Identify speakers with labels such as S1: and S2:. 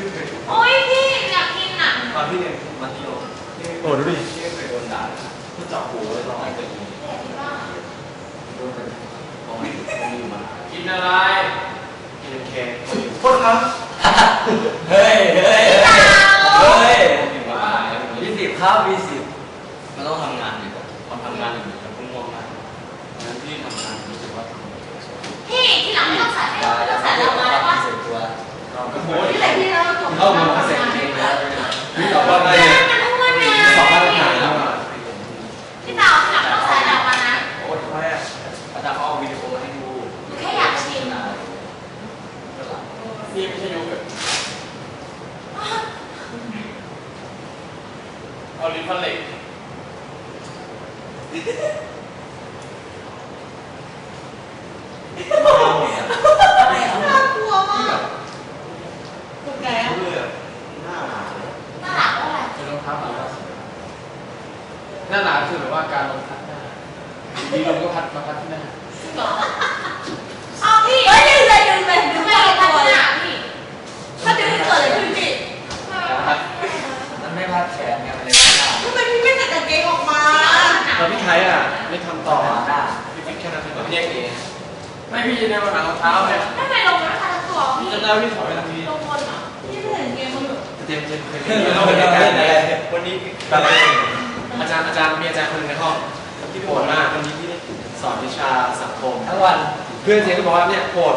S1: โอ้ยพี่อยากกินอ่ะ
S2: ตอนพี่เรียนมัธยมโอ้ดูดิพี่เคยโดนด่าที่เจาะหูเลยร้องไห้ตัวเองโดนเป็นของไม่อยู่มากินอะไรกินเค้กโทษครับเฮ้ย20ครับ20มันต้องทำงานอยู่ตอนทำงานอยู่มันพุ่งง่วงมากงั้นพี่ทำงานรู้สึกว่า
S1: พี่ที่หลังไม่ต้องใส่ไม่ต้องใส่เรามาแล้วป่ะที่ไหนพี่เราถูก
S2: เข้ามาเสร็จเองแล้วพี่ตอบว่าไงสอบมาตรฐานแล้ว
S1: พี่เต่าที่หลังต้องใส่เรามานะ
S2: โอ้ทำไมอ่ะอาจารย์เขาเอาวิดีโอมาให้ดู
S1: แค่อยากชิม
S2: นี่ไม่ใช่โยเกิร์ตเอาลิ้นพันเหล็ก
S1: น่ากลัวมากถูกแล้ว
S2: หน้าหนา
S1: หน้าหนาว่าอะไร
S2: จะลงทับหรือว่าหน้าหนาคือแบบว่าการลงทับหน้าดีลงก็พัดมาพัดที่หน้า
S1: เอาพี่เฮ้ยดึงเลยดึงไม่เอาพัดหน้าพี่ถ้าดึงเกิดอะไรขึ้นพี่
S2: มันไม่พัดแขนไงมันเลย
S1: ทำไมพี่ไม่ใส่กางเกงออกมา
S2: แล้วพี่ไทยอ่ะไม่ทำต่อพี่ฟิกแค่นั้นเองพี่เองไม่พี่จะเดินมาหารองเท้าเลย
S1: ไม่ไปลงนะคะทั้งตัวพี่
S2: จะได้พี่ถอยไปทางนี้
S1: ลงบนเหรอพี่ไม่เห็นเกมมันหรอ
S2: เจมเคยเราเป็นการอะไรวันนี้อะไรอาจารย์มีอาจารย์คนนึงในห้องที่โหดมากวันนี้พี่ได้สอนวิชาสังคมทั้งวันเพื่อนเจมก็บอกว่าเนี่ยโหด